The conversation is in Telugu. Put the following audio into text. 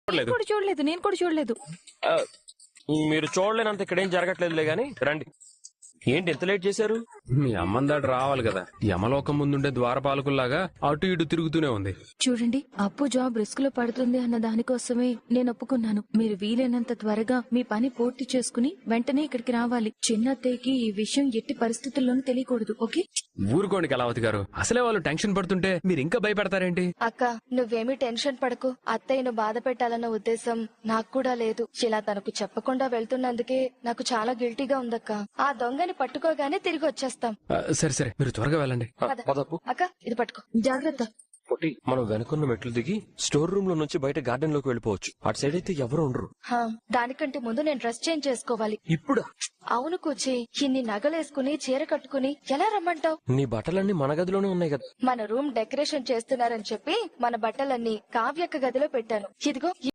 నేను కూడా చూడలేదు. మీరు చూడలేనంత ఇక్కడేం జరగట్లేదులే గాని రండి. ఏంటి ఎంత లేట్ చేశారు? మీ అమ్మందాడు రావాలి కదా. యమలోకం ముందుండే ద్వారపాలకుల్లాగా అటు ఇటు తిరుగుతూనే ఉంది. చూడండి, అప్పు జాబ్ రిస్క్ లో పడుతుంది అన్న దానికోసమే నేను ఒప్పుకున్నాను. మీరు వీలైనంత త్వరగా మీ పని పూర్తి చేసుకుని వెంటనే ఇక్కడికి రావాలి. చిన్నత్తయ్యకి ఈ విషయం ఎట్టి పరిస్థితుల్లోనూ తెలియకూడదు. ఓకే? ఊరుకోండి కళావతి గారు. అసలే వాళ్ళు టెన్షన్ పడుతుంటే మీరు ఇంకా భయపెడతారేంటి? అక్క, నువ్వేమీ టెన్షన్ పడకు. అత్తయ్యను బాధ పెట్టాలన్న ఉద్దేశం నాకు కూడా లేదు. ఇలా తనకు చెప్పకుండా వెళ్తున్నందుకే నాకు చాలా గిల్టీగా ఉందక్క. ఆ దొంగని పట్టుకోగానే తిరిగి వచ్చేస్తాం. సరే సరే, మీరు త్వరగా వెళ్ళండి. పదపు. అక్క, ఇది పట్టుకో. జాగ్రత్త. పొట్టి, మనం వెనుకున్న మెట్లు దిగి స్టోర్ రూమ్ లో నుంచి బయట గార్డెన్ లోకి వెళ్ళిపోవచ్చు. అటు సైడ్ అయితే ఎవరు ఉండరు. దానికంటే ముందు నేను డ్రెస్ చేంజ్ చేసుకోవాలి. ఇప్పుడా? అవును కూచి, ఇన్ని నగలేసుకుని చీర కట్టుకుని ఎలా రమ్మంటావు? నీ బట్టలన్నీ మన గదిలోనే ఉన్నాయి కదా. మన రూమ్ డెకరేషన్ చేస్తున్నారని చెప్పి మన బట్టలన్నీ కావ్యక్క గదిలో పెట్టాను. ఇదిగో